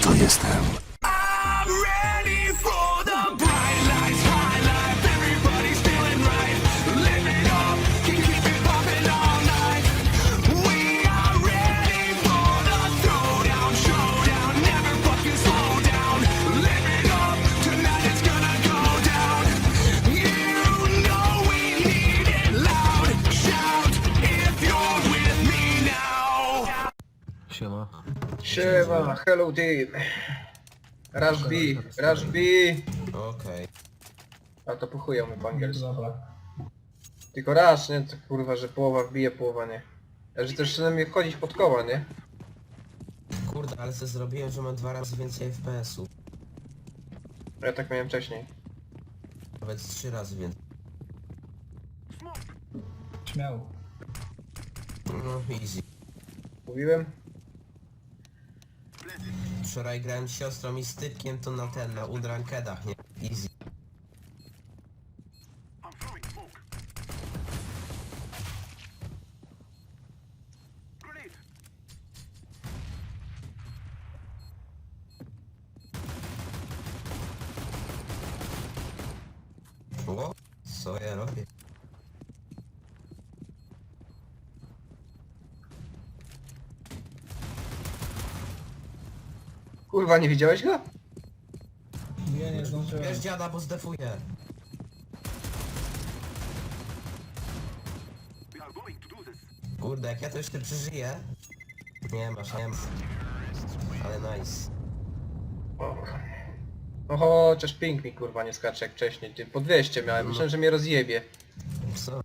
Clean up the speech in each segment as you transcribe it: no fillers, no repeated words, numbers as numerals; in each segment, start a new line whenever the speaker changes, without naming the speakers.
to jestem.
I'm ready for the bright lights, high life. Everybody's feeling right. Live it up, keep it popping all night. We are ready for the throwdown, showdown. Never fucking slow down. Live it up, tonight it's gonna go down. You know we need it loud. Shout if you're with me now.
Siema.
Siema, hello team. Rush B, Rush B.
Okej.
A to po chuja mu po angielsku.
Dobra.
Tylko raz, nie? To kurwa, że połowa wbije, połowa nie. A że też chce mnie wchodzić pod koła, nie?
Kurde, ale co zrobiłem, że mam 2 razy więcej FPS-u.
Ja tak miałem wcześniej.
Nawet 3 razy więcej.
Śmiało.
No easy.
Mówiłem?
Wczoraj grałem z siostrą i z typkiem to na Unrankedach, nie? Easy. O, co ja robię?
Kurwa, nie widziałeś go?
Nie zdążyłem.
Wiesz dziada, bo zdefuję. Kurde, jak ja to jeszcze przeżyję. Nie masz, nie ma. Ale nice.
No chociaż ping mi kurwa nie skacze jak wcześniej. Ty po 200 miałem, myślałem, że mnie rozjebie.
Co?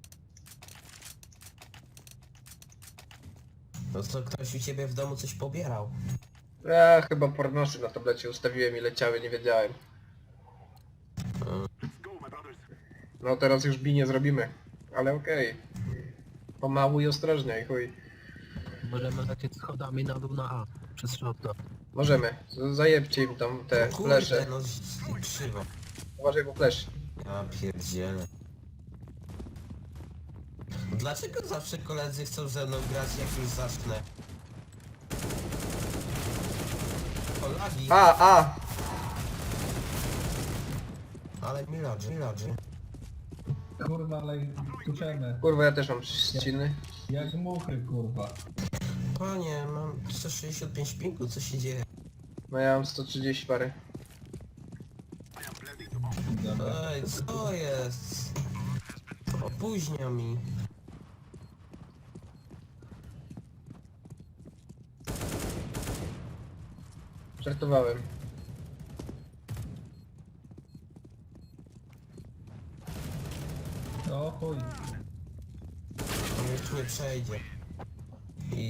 No co, ktoś u ciebie w domu coś pobierał?
Ja chyba pornosy na tablecie ustawiłem i leciały, nie wiedziałem. No teraz już B nie zrobimy. Ale okej. Pomału i ostrożnie, i chuj.
Możemy lecieć schodami na dół na A. Przez środka.
Możemy. Zajebcie im tam te
Kurde,
flesze.
no krzywo.
Uważaj, bo flash.
Ja pierdzielę. Dlaczego zawsze koledzy chcą ze mną grać, jak już zacznę? O, lagi.
A!
Ale mi lodzi.
Kurwa, ale tuczemy.
Kurwa, ja też mam ściny.
Jak muchy, kurwa.
Panie, mam 165 pingu, co się dzieje?
No ja mam 130 parę.
Dobra.
Ej, co jest? Opóźnia mi.
Żartowałem.
O chuj.
On już nie przejdzie. I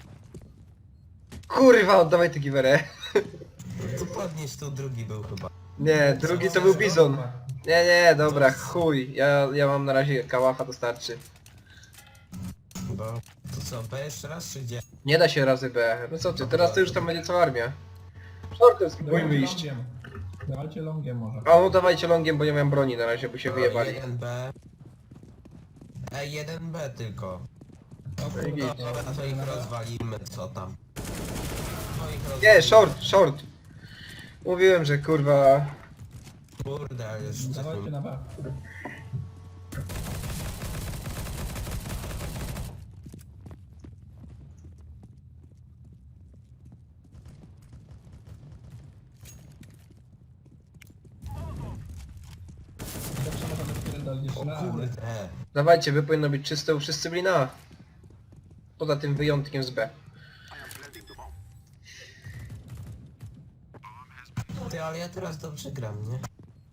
Kurwa, oddawaj tę giwerę.
tu podnieś, tu drugi był chyba.
Nie, drugi to był bizon. Nie, dobra, chuj. Ja mam na razie kałacha, to starczy.
Bo... To co, B jeszcze raz czy gdzie?
Nie da się razy B. No co ty, teraz to już tam będzie cała armia. Shortem spróbujmy iść.
longiem. Dawajcie longiem może.
A no dawajcie longiem, bo nie mam broni na razie, bo się wyjebali.
1B. Ej, 1B tylko.
O kurwa,
Git.
Dobra, to ich rozwalimy, co tam. To ich rozwalimy.
Nie, short. Mówiłem, że kurwa...
Kurde, ale już
Dawajcie na B. Zawsze możemy wpierdolić jeszcze na A, nie?
Kurde.
Dawajcie, wy powinno być czyste, wszyscy byli na A. Poza tym wyjątkiem z B.
Ty, ale ja teraz dobrze gram, nie?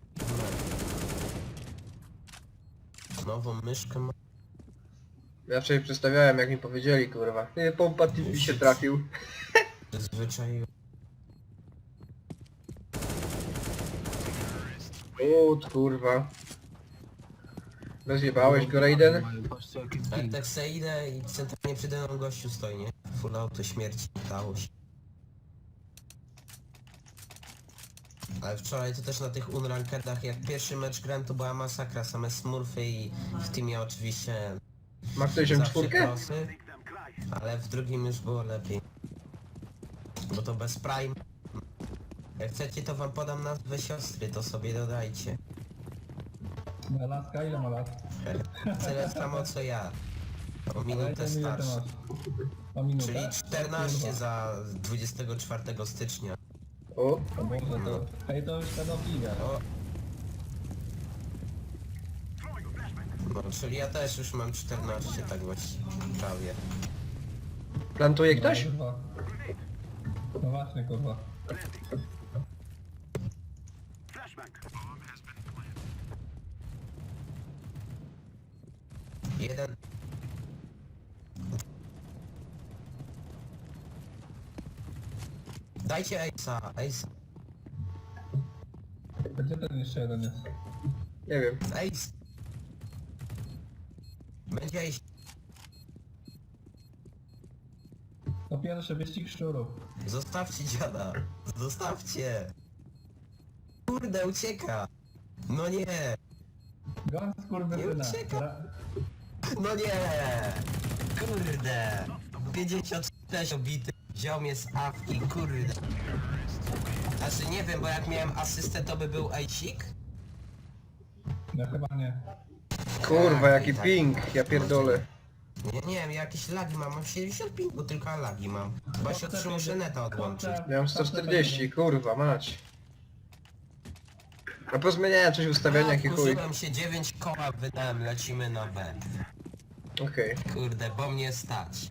Nową myszkę mam.
Ja wczoraj przedstawiałem, jak mi powiedzieli, kurwa. Nie, pompa TV się trafił.
Zwyczaju.
Kurwa. Rozjebałeś go, Raiden?
Patrzcie jaki
Ale
ping.
tak se idę i centralnie przede mną gościu stoi, nie? Full auto śmierci, dało się. Ale wczoraj to też na tych unrankedach, jak pierwszy mecz grałem, to była masakra, same smurfy i w teamie oczywiście
Ma ktoś
zawsze
M4?
krosy, ale w drugim już było lepiej. Bo to bez prime. Jak chcecie, to wam podam nazwę siostry, to sobie dodajcie.
Laska ile ma lat?
Tyle samo co ja. O
Ale
minutę
ile ty
starszy.
masz? O minutę?
Czyli 14
Kurwa.
za 24 stycznia.
O,
O Boże, to... Hej, to już pedofilia.
O. No, czyli ja też już mam 14, tak właściwie. Prawie.
plantuje ktoś?
Kurwa. No właśnie, kurwa.
Jeden. Dajcie Ace'a, Ace.
Gdzie ten jeszcze jeden jest?
Nie wiem.
Ace. Będzie Ace.
To pierwszy wyścig szczurów.
Zostawcie dziada. Zostawcie. Kurde, ucieka. No nie.
Gon skurwysyna.
Nie ucieka. No nie. Kurde. 56 obity. Wziął mnie z awki, kurde. Znaczy nie wiem, bo jak miałem asystę, to by był Aicik.
No chyba nie.
Kurwa, jaki
tak.
ping, ja pierdolę.
Nie wiem, jakieś lagi mam 75, bo tylko lagi mam. Chyba się muszę neta odłączyć.
Ja mam 140, kurwa, mać. A pozmieniałem coś w ustawieniach i chuj.
Kurzyłem się, 9 koła wydałem, lecimy na B.
Okej.
Kurde, bo mnie stać.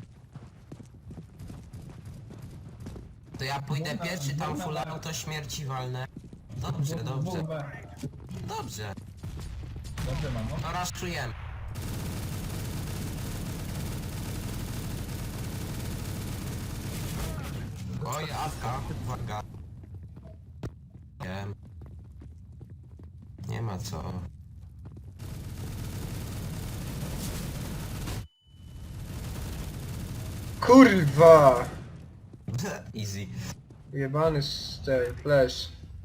To ja pójdę pierwszy, tam full auto śmierci walnę. Dobrze, dobrze,
Kurwa.
dobrze.
Dobrze, mamo.
No raz czujemy. Oj, awka, uwaga. Wiem. Nie ma co.
Kurwa!
Easy.
Jebany ten flash.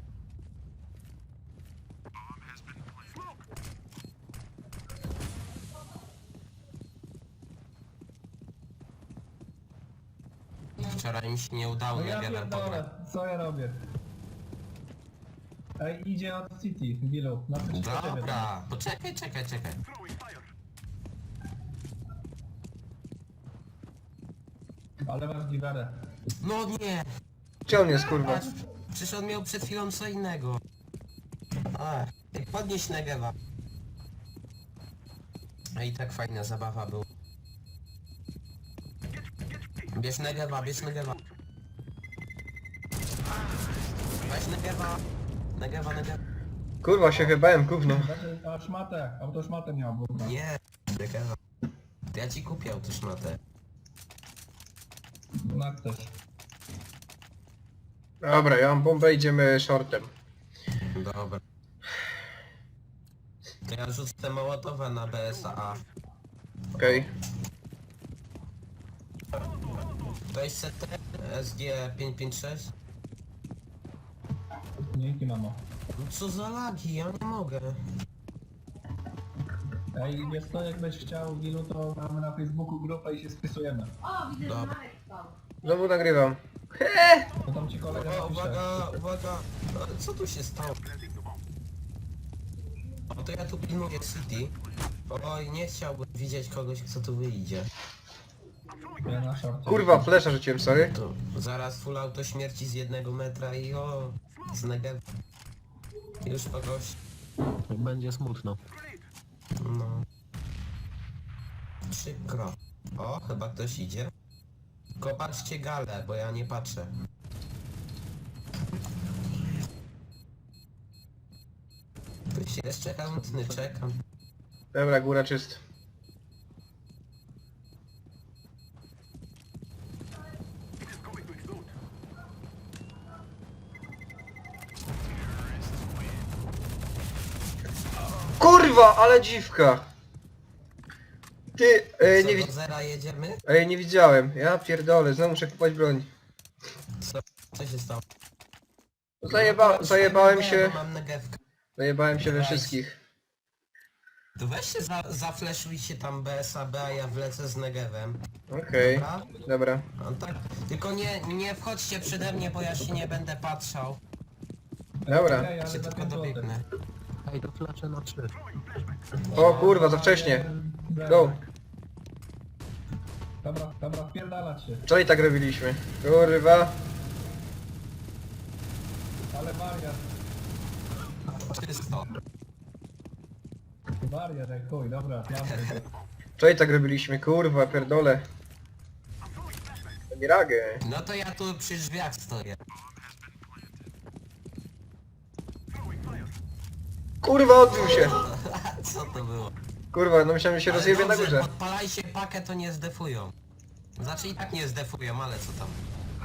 Wczoraj mi się nie udało,
No
nie
ja
wiem pograć.
pierdolę, co ja robię? Ej, idzie od City, Gilu. Na tym
Dobra, poczekaj, czekaj.
Ale masz giwerę.
No nie!
Gdzie on jest, kurwa?
Patrz, przecież on miał przed chwilą co innego. Ach, podnieś Negewa. A i tak fajna zabawa była. Bierz Negewa, bierz Negewa. Weź Negewa. Negewa.
Kurwa, się chybałem, gówno.
Znaczy, a szmatę, autoszmatę miał, bo...
Nie, Negewa. To ja ci kupię autoszmatę.
No też.
Dobra, ja mam bombę, idziemy shortem.
Dobra. To ja rzucę Mołotowa na BSA.
Okej.
To jest CT SG556?
Dzięki, mamo.
No co za lagi, ja nie mogę.
Ej, wiesz co, jakbyś chciał, Gilu, to mamy na Facebooku grupę i się spisujemy.
O, widzę, że
Dobra.
Marek spał.
Znowu nagrywam.
To tam ci kolega
O,
napisze.
uwaga. Co tu się stało? O, to ja tu pilnuję City. Oj, nie chciałbym widzieć kogoś, kto tu wyjdzie.
Ja na szorcie.
Kurwa, flesza rzuciłem, sorry.
To zaraz full auto śmierci z 1 metra i o, z Negev. Już kogoś,
Będzie smutno.
no. Przykro. O, chyba ktoś idzie. Tylko patrzcie galę, bo ja nie patrzę. Ktoś jeszcze chętny, czekam.
Dobra, góra czyst. Kurwa, ale dziwka! Ty,
Co,
nie,
do zera jedziemy?
nie widziałem. Ja pierdolę, znowu muszę kupować broń.
Co się stało?
Zajebałem się.
Mam negewkę.
Zajebałem się we
Nice.
wszystkich.
To weź się zafleszujcie tam BSAB, a ja wlecę z negewem.
Okej,
Dobra?
dobra.
No tak. Tylko nie wchodźcie przede mnie, bo ja się nie będę patrzał.
Dobra.
Okej, ale
Ja się
za
tylko
5 złotych.
dobiegnę.
Ej, to flasze na 3.
O kurwa, za wcześnie. Go.
Dobra, wpierdalać się.
Wczoraj tak robiliśmy. Kurwa.
Ale wariat,
Czysto.
jak chuj, dobra, mamy.
Wczoraj tak robiliśmy, kurwa, pierdolę. Nie ragę.
No to ja tu przy drzwiach stoję.
Kurwa, odbił się.
Co to było?
Kurwa, no myślałem, że się
Ale
rozjebie na
dobrze,
górze.
podpalajcie pakę, to nie zdefują. Znaczy i tak nie zdefują, ale co tam.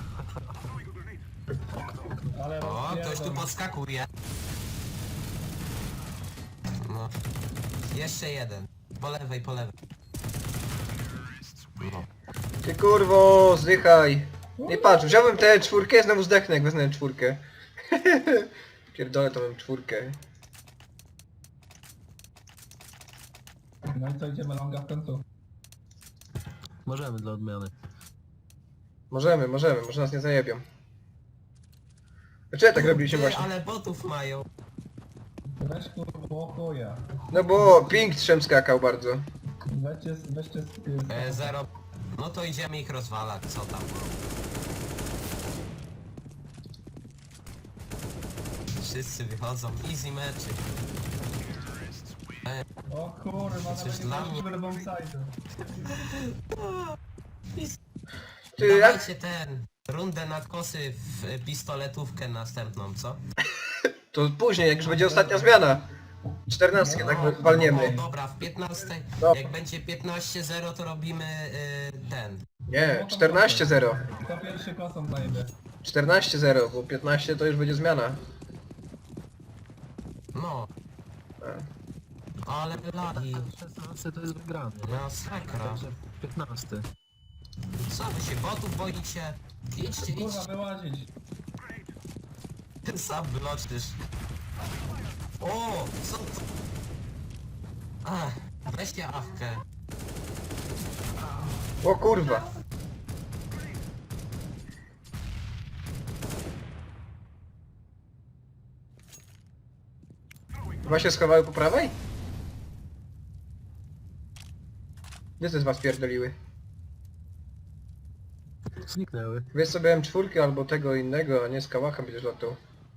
Ale
O, ktoś tu
rozpierdol.
podskakuje. No. Jeszcze jeden. Po lewej, po lewej. No.
Ty kurwo, zdychaj. Nie patrz, wziąłem tę czwórkę i znowu zdechnę, jak wezmę czwórkę. Pierdolę, to mam czwórkę.
No i co, idziemy longa w końcu?
Możemy dla odmiany.
Możemy, może nas nie zajebią. Dlaczego tak robiliśmy
Ty,
właśnie?
ale botów mają.
Weź kurwa, chuja.
No bo ping trzem skakał bardzo.
Weźcie
Zero. No to idziemy ich rozwalać, co tam. Wszyscy wychodzą, easy meczyk.
O kurwa,
Coś
nawet
dla
nie
mnie.
mamy bombside'u.
Ty, jak?
Dawajcie ten, rundę na kosy w pistoletówkę następną, co?
To później, jak już będzie ostatnia zmiana. 14 tak walniemy.
O, dobra, w 15,
No.
jak będzie 15-0 to robimy ten.
Nie, 14-0.
Kto pierwszy kosą zajebie?
14-0, bo 15 to już będzie zmiana.
No. Ale lagi.
16 to jest wygrany, nie?
Masakra.
Także 15.
Co wy się botów boicie? Idźcie,
Kurwa,
idźcie.
wyłazić.
Sam wyloczysz. O, co to? Ach, weźcie awkę.
O kurwa. Chyba się schowały po prawej? Gdzie te z was pierdoliły?
Zniknęły.
Wiesz sobie M4 albo tego innego, a nie z kałachem będziesz latał.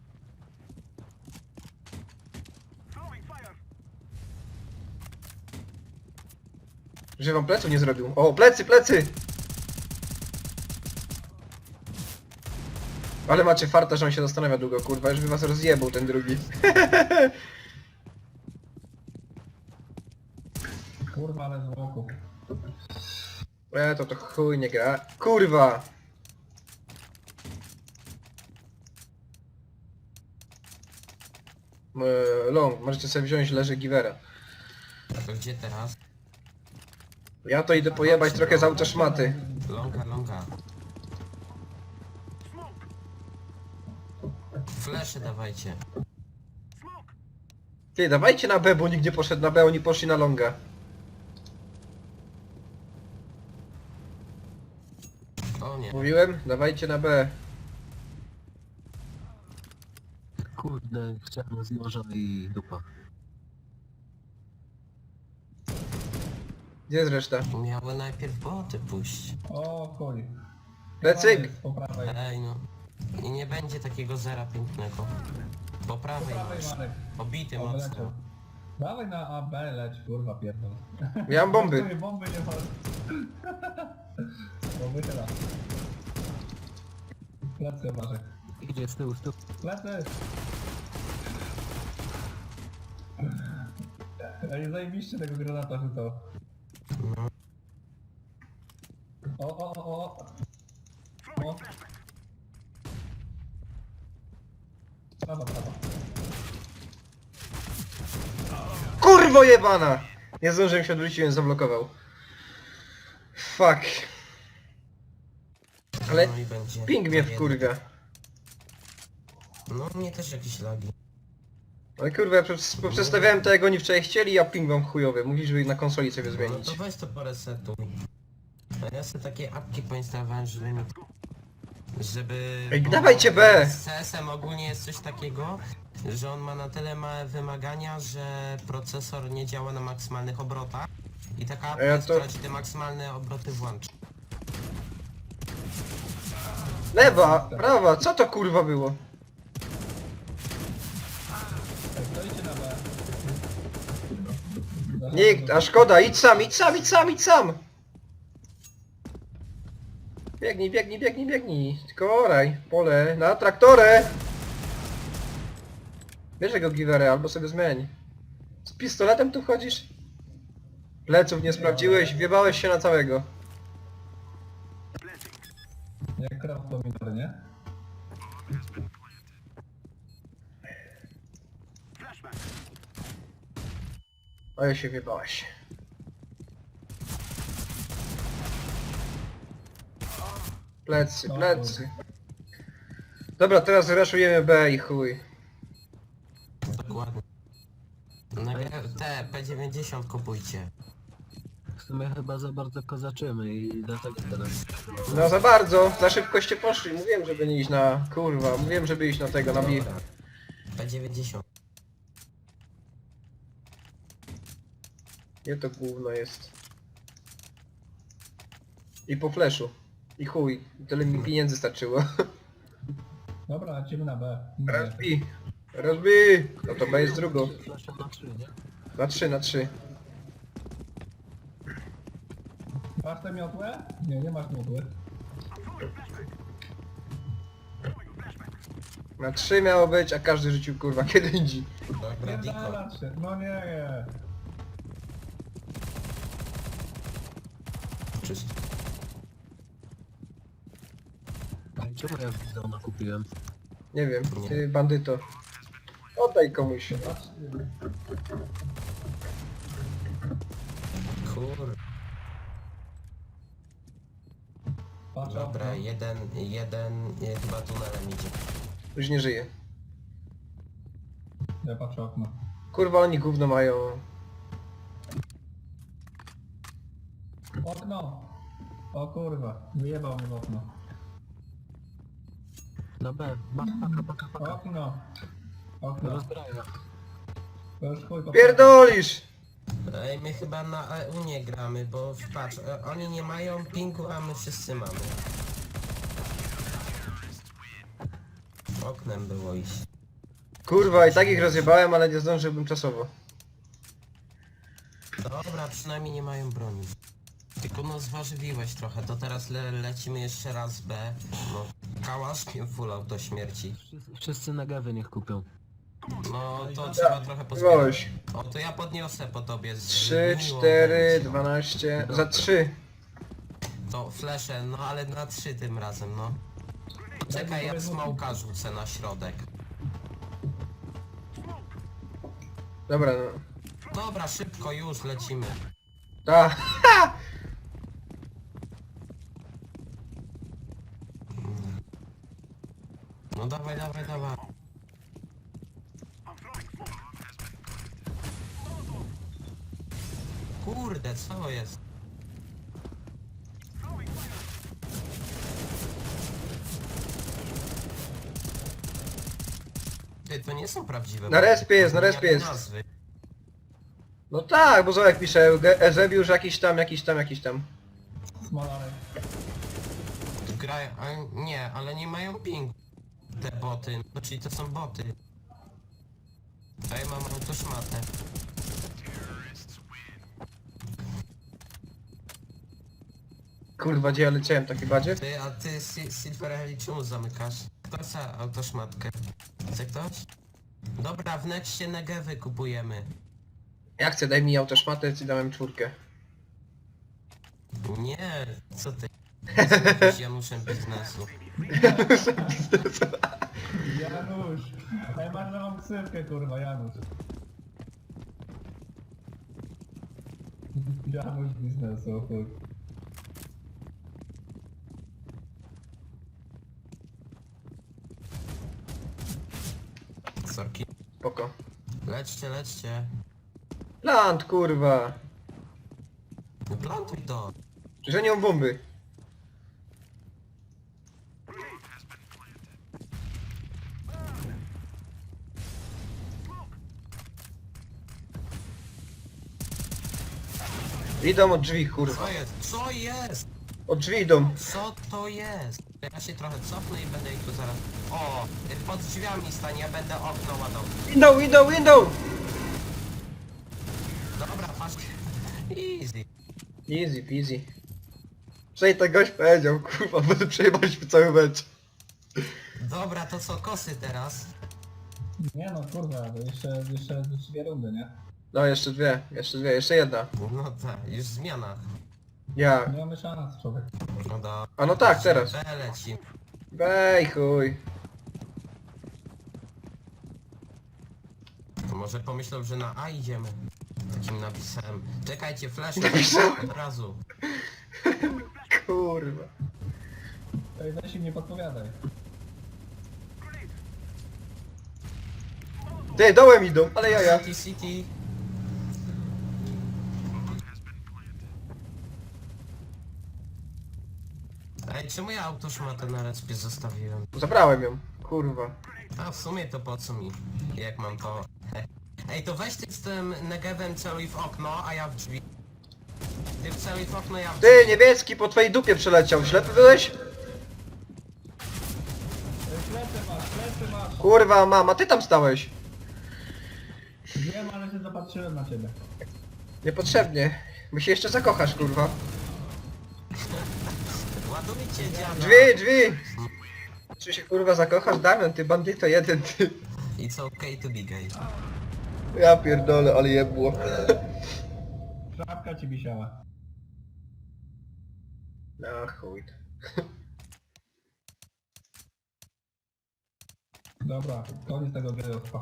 Że wam pleców nie zrobił. O, plecy, plecy! Ale macie farta, że on się zastanawia długo, kurwa, już by was rozjebał ten drugi.
Kurwa, ale z łoku.
To chuj nie gra. Kurwa! Long, możecie sobie wziąć leży Givera.
To gdzie teraz?
Ja to idę pojebać trochę z auta szmaty.
Longa, longa. Flesze dawajcie.
Ty, dawajcie na B, bo nikt nie poszedł na B, oni poszli na longa.
O nie.
Mówiłem? Dawajcie na B.
Kurde, chciałem z noża i dupa.
Gdzie jest reszta?
Miały najpierw boty pójść.
O chuj.
Lecyk!
Jest po prawej.
Ej no. I nie będzie takiego zera pięknego. Po
Po
prawej
prawej,
masz.
Marek.
Obity
O,
mocno.
wyleciał. Dawaj na AB, leć, kurwa, pierdol.
Ja mam bomby.
Żartuję, bomby nie ma. Bo wychyla. Plecy, Marek.
Idzie z tyłu, z tyłu.
Plecy! Ej, zajebiście tego granata rzucał.
No.
O. Prawa.
Kurwo jebana! Nie zdążyłem się odwrócić, więc zablokował. Fuck. Ale
No i będzie.
ping mnie
jeden.
wkurwia.
No mnie też jakieś lagi.
Ale kurwa, ja przestawiałem to jak oni wczoraj chcieli, a ping wam chujowy. Mówisz, żeby na konsoli sobie
No
zmienić.
to weź to po resetu. A ja sobie takie apki poinstalowałem, żeby mi żeby...
Ej,
bo
dawajcie B!
Z CS-em ogólnie jest coś takiego, że on ma na tyle małe wymagania, że procesor nie działa na maksymalnych obrotach i taka apka,
ja to-
która ci te maksymalne obroty włącza.
Lewa, prawa, co to kurwa było?
Ej, stoicie na B.
Nikt, a szkoda, idź sam, idź sam, idź sam, idź sam! Biegnij, biegnij, biegnij, biegnij. Tylko oraj, pole, na traktorę! Bierz go giwerę, albo sobie zmień. Z pistoletem tu chodzisz? Pleców nie sprawdziłeś, wjebałeś się na całego.
Jak kraw pomidor, nie?
A ja się wjebałeś. Plecy, plecy. Dobra, teraz raszujemy B i chuj.
Dokładnie. Te P90 kupujcie.
W sumie chyba za bardzo kozaczymy i dlatego teraz...
No za bardzo, za szybkoście poszli. Mówiłem, żeby nie iść na... Kurwa, mówiłem, żeby iść na tego, na B.
Dobra. P90.
Gdzie to gówno jest? I po fleszu. I chuj. Tyle mi pieniędzy starczyło.
Dobra, lecimy na B.
Raz B. Raz B. No to B jest drugą.
Flash na 3, nie?
Na 3, na 3.
Masz tę miotłę? Nie, nie masz miotły.
Na 3 miało być, a każdy rzucił kurwa kiedy indziej.
Dobra, Diko.
Pierdalać się. No nie.
Czysto.
Ej, czemu ja Bizona kupiłem?
Nie wiem,
Nie.
ty bandyto. Oddaj komuś.
Kur...
Patrz,
Dobra,
okno.
jeden chyba tunelem idzie.
Już nie żyje.
Ja patrzę okno.
Kurwa oni gówno mają.
Okno! O kurwa, wyjebał mnie w okno.
Na B, paka.
Okno! Okno.
Rozbraja.
To już chuj po
Pierdolisz!
Ej, my chyba na EU nie gramy, bo patrz, oni nie mają pingu, a my wszyscy mamy. Oknem było iść.
Kurwa i tak ich rozjebałem, ale nie zdążyłbym czasowo.
Dobra, przynajmniej nie mają broni. Tylko no zważywiłeś trochę, to teraz lecimy jeszcze raz B. No, kałaszkiem full do śmierci.
Wszyscy na gawy niech kupią.
No to trzeba trochę pozbierać.
Zwołeś.
O, to ja podniosę po tobie.
3,
Miło
4,
będzie.
12. Za 3.
To flesze, no ale na 3 tym razem, no. Czekaj, ja smołka rzucę na środek.
Dobra no.
Dobra, szybko już lecimy.
Ta.
No dawaj, dawaj, dawaj. Kurde, co jest? Ty, to nie są prawdziwe.
Na respie jest, na
To
respie
jak
jest.
nazwy.
No tak, bo Zołek pisze, Ezebiusz jakiś tam, jakiś tam, jakiś tam.
Smolarek.
Grają, nie, ale nie mają pingu. Te boty, no czyli to są boty. A ja mam autoszmatę.
Kurwa, gdzie ja leciałem, taki badzie?
Ty, a ty Silver Helix czemu zamykasz? Kto chce autoszmatkę? Chce ktoś? Dobra, w nexcie Negewy kupujemy.
Ja chcę, daj mi autoszmatę, ci dałem 4.
Nie, co ty? Jesteś Januszem biznesu.
Janusz! Ej, masz nową ksywkę, kurwa, Janusz. Janusz biznesu, chuj.
Sorki.
Spoko.
Lećcie, lećcie.
Plant, kurwa.
Plantuj to.
Że nie mam bomby. Idą od drzwi, kurwa.
Co jest? Co jest?
Od drzwi idą.
Co to jest? Ja się trochę cofnę i będę ich tu zaraz... O! Pod drzwiami stań, ja będę okno ładował.
Idą!
Dobra, patrz. Easy.
Easy peasy. Przej tak gość powiedział, kurwa, będę przejebaliśmy cały mecz.
Dobra, to co, kosy teraz?
Nie no kurwa, to jeszcze 2 rundy, nie?
No jeszcze dwie, jeszcze jedna.
No tak, już zmiana.
Ja.
Nie mamy szans, człowiek.
No dobra.
A no tak, teraz.
Lecimy.
Wej chuj.
To może pomyślał, że na A idziemy. Takim napisem. Czekajcie, flash
Napisałem.
od razu.
Kurwa.
Ej, weź im nie podpowiadaj.
Ty, dołem idą, ale jaja.
City. Ej, czemu ja autoszmatę na respie zostawiłem?
Zabrałem ją, kurwa.
A w sumie to po co mi? Jak mam to... Ej, to weź ty z tym negewem celuj w okno, a ja w drzwi. Ty celuj w okno, ja w drzwi.
Ty, niebieski po twojej dupie przeleciał, ślepy byłeś?
Ej, plecy masz!
Kurwa, mama, ty tam stałeś.
Wiem, ale się zapatrzyłem na ciebie.
Niepotrzebnie. My się jeszcze zakochasz, kurwa.
Ładujcie dziada.
Drzwi! Czy się kurwa zakochasz, Damian, ty bandyto jeden, ty.
It's okay to be gay.
Ja pierdolę, ale jebło.
Szapka ci wisiała.
No chuj.
Dobra, koniec tego gejostwa.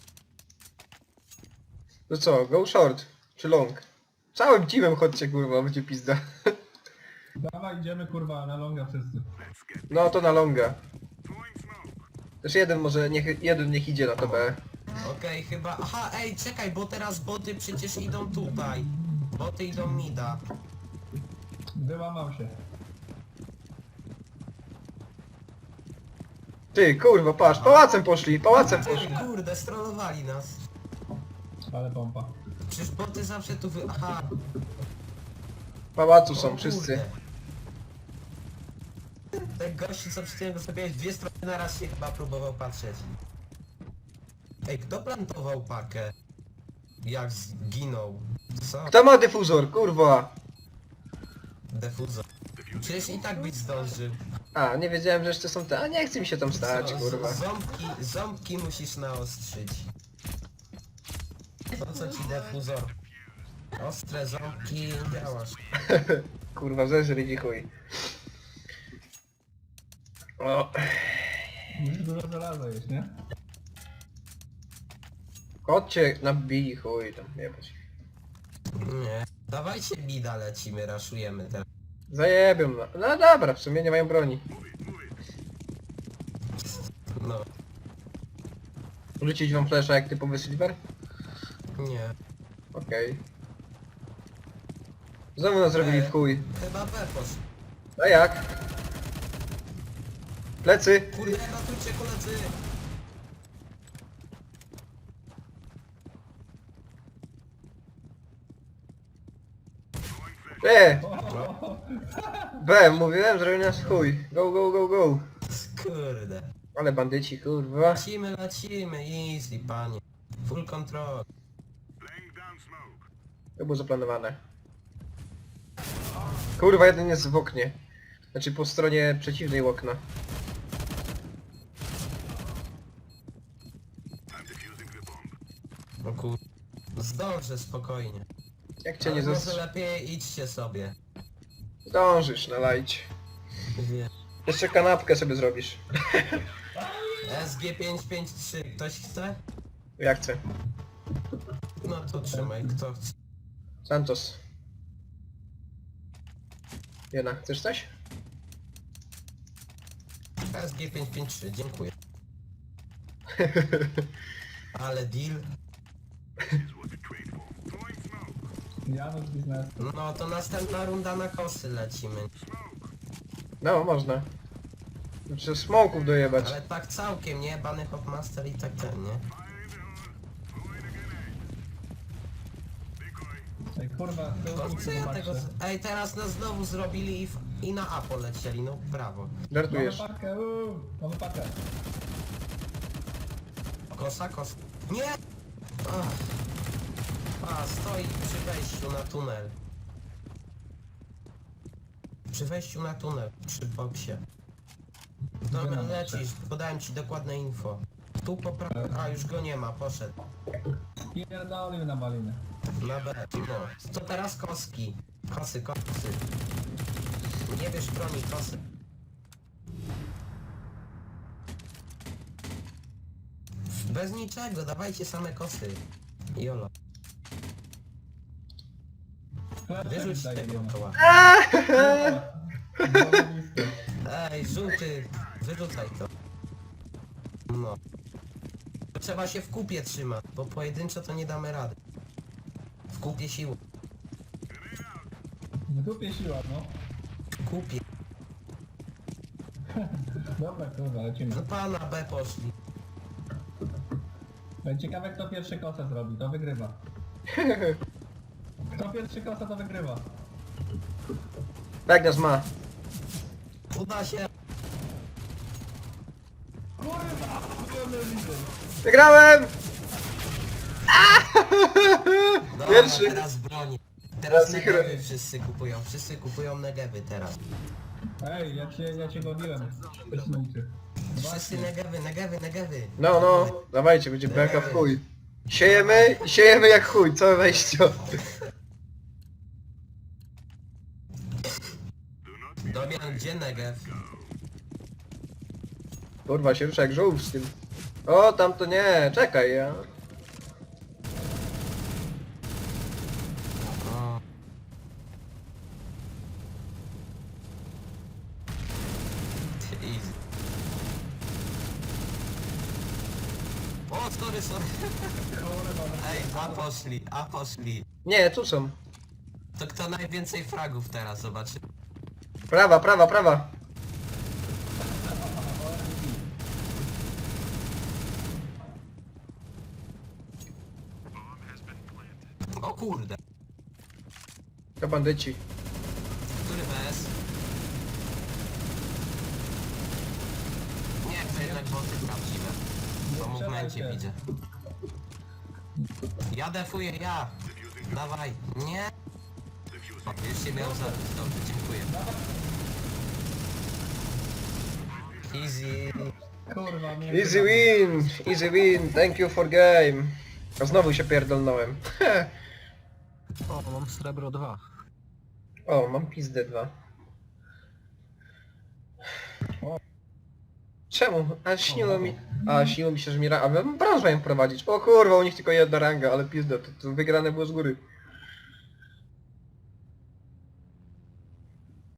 No co, go short, czy long? Całym teamem chodźcie, kurwa, będzie pizda.
Dawaj, idziemy kurwa na longa wszyscy.
No to na longa. Też jeden może, jeden niech idzie na to B.
Okej, chyba... Aha, ej, czekaj, bo teraz boty przecież idą tutaj. Boty idą mida.
Wyłamał się.
Ty, kurwa, patrz, pałacem poszli.
Ty, kurde, strollowali nas.
Ale pompa.
Przecież boty zawsze tu wy... Aha.
Pałacu
O
są wszyscy.
kurde. Ten gościu, co przed chwilą sobie 2 strony na raz się chyba próbował patrzeć. Ej, kto plantował pakę? Jak zginął? Co?
Kto ma dyfuzor, kurwa?
Defuzor. Przecież i tak byś zdążył.
A, nie wiedziałem, że jeszcze są te... A nie chce mi się tam stać,
Co?
kurwa.
Ząbki musisz naostrzyć. Po co ci defuzor? Ostre ząbki, działasz.
Kurwa, zeżryj chuj. O,
Musisz dużo żelaza jeść, nie?
chodźcie na bij chuj tam, jebać.
Nie. Dawajcie bida, lecimy, raszujemy teraz.
Zajebią, no dobra, w sumie nie mają broni.
No,
Rzucić wam flesza jak typowy silver?
nie.
Okej. Znowu nas zrobili w chuj.
Chyba B poszło.
A jak? Plecy!
Kurde, ratujcie koledzy!
B, mówiłem, zrobili nas w chuj. Go, go, go, go.
Kurde.
Ale bandyci, kurwa.
Lecimy, easy, panie. Full control.
To było zaplanowane. Kurwa, jeden jest w oknie. Znaczy po stronie przeciwnej okna.
No kur... Zdążę spokojnie.
Jak cię nie
Ale może
zastrz...
lepiej idźcie sobie.
Zdążysz nalajć.
Wie.
Jeszcze kanapkę sobie zrobisz.
SG553, ktoś chce?
Ja chcę.
No to trzymaj, kto chce.
Santos. Jena, chcesz coś?
SG553, dziękuję. Ale deal.
Janusz biznes.
No to następna runda na kosy lecimy.
No, można. Muszę smoków dojebać.
Ale tak całkiem, nie? Bany Hopmaster i tak ten, nie?
Ej, kurwa,
No co ja tego... Ej, teraz nas znowu zrobili i na A polecieli, no brawo.
Mamy
Żartujesz.
pakę, mamy pakę.
Kosa. Nie! Ach. A, stoi przy wejściu na tunel. Przy wejściu na tunel, przy boksie. Dobra,
Gdzie na
lecisz, podałem ci dokładne info. Tu po prawej... A, już go nie ma, poszedł.
Pierdolił na malinę.
Na B, no. To teraz koski. Kosy. Nie bierz broni, kosy. Bez niczego, dawajcie same kosy. Jolo. Wyrzuć tego koła. Ej, żółty, wyrzucaj to. No. Trzeba się w kupie trzymać, bo pojedynczo to nie damy rady. W kupie siły.
W dupie siła, no.
W kupie.
Dobra, kurwa, lecimy.
No pana B poszli.
Ciekawe kto pierwszy kosę zrobi, to wygrywa. Kto pierwszy kosę, to wygrywa.
Tak nas ma.
Uda się.
Kurwa!
Wygrałem!
Dobra,
Pierwszy.
teraz broni. Teraz
Teraz ich
negewy wszyscy kupują negewy teraz.
Ej, ja cię goniłem. Wysnuty.
Wszyscy negewy.
No, dawajcie, będzie beka w chuj. Siejemy jak chuj, całe wejście.
Domian, gdzie negew?
Kurwa, się rusza jak żółw z tym. O, tam to nie, czekaj, ja.
O. Easy. O, sorry. Ej, a poszli.
Nie, tu są.
To kto najwięcej fragów teraz zobaczy?
Prawa.
O kurde.
To bandyci.
Który BS? Nie, to jednak boty prawdziwe. Po movemencie widzę. Ja defuję, ja! Dawaj, nie! O, już się miał zabić, dobrze, dziękuję. Easy.
Kurwa, mnie...
Easy win, thank you for game. A znowu się pierdolnąłem.
O, mam srebro 2.
O, mam pizdę 2. Czemu? Śniło mi się, że mi A brąz mają prowadzić. O kurwa, u nich tylko jedna ranga, ale pizda, to wygrane było z góry.